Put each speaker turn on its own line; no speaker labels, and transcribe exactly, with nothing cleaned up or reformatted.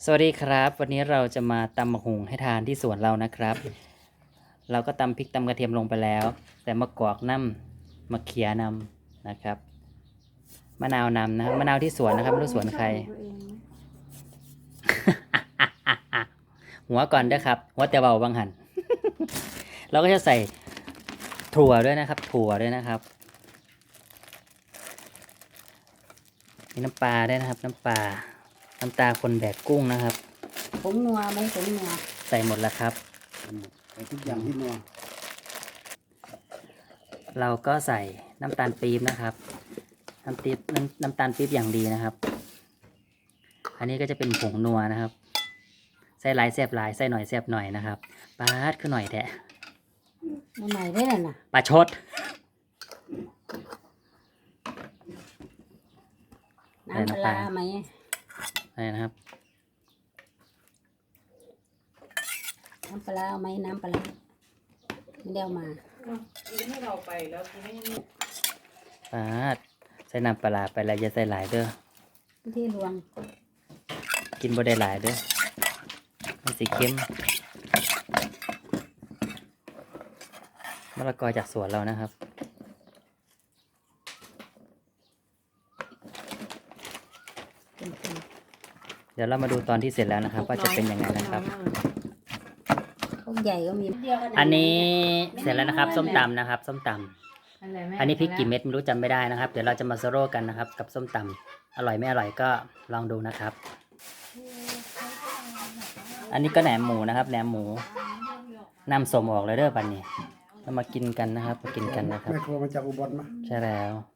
สวัสดีครับวันนี้เราจะมาตำมะฮุงให้ทานที่สวนเรานะครับ เราก็ตำพริกตำกระเทียมลงไปแล้ว แต่มะกอกน้ำมะเขียนำนะครับมะนาวนำนะครับมะนาวที่สวนนะครับไม่รู้สวนใคร หัวก่อนด้วยครับหัวแต่เบาบางหัน เราก็จะใส่ถั่วด้วยนะครับ ถั่วด้วยนะครับมีน้ำปลาด้วยนะครับ น้ำปลาน้ำตาคนแบกกุ้งนะครับ
ผงนัวไหมผงนัว
ใส่หมดแล้วครับ
ใส่ทุกอย่างที่นัว
เราก็ใส่น้ำตาลปี๊บนะครับ น้ำปี๊บน้ำน้ำตาลปี๊บอย่างดีนะครับ อันนี้ก็จะเป็นผงนัวนะครับ ใส่หลายแซ่บหลายใส่หน่อยแซ่บหน่อยนะครับปลาดขึ้นหน่อยแทะ
มันใหม่ได้เลยนะ
ปลาชด
น้ำปลาร้าไหม
อะไรนะครับ
น้ำปลาร้าไหมน้ำปลาร้าไม่ได้เอามา
ให้เราไปแล้วทีนี้
ปลาดใส่น้ำปลาร้าไปแล้วอย่าใส่หลายเด้อ
ที่รวง
กินบ่ได้หลายเด้อมันสีเข้มมะละกอจากสวนเรานะครับ
เป็นคน
เดี๋ยวเรามาดูตอนที่เสร็จแล้วนะครับ ว่าจะเป็นยังไงนะครับ
พวกใหญ่ก็มี
อันนี้เสร็จแล้วนะครับ ส้มตำนะครับ ส้มตำอันนี้พริกกี่เม็ดไม่รู้จำไม่ได้นะครับ เดี๋ยวเราจะมาโซโล่กันนะครับ กับส้มตำอร่อยไม่อร่อยก็ลองดูนะครับ อันนี้ก็แหนมหมูนะครับแหนมหมูนำสมออกเลยเด้อปันนี้เรามากินกันนะครับมากินกันนะครับ
แม่ครัวมาจากอุบลมา
ใช่แล้ว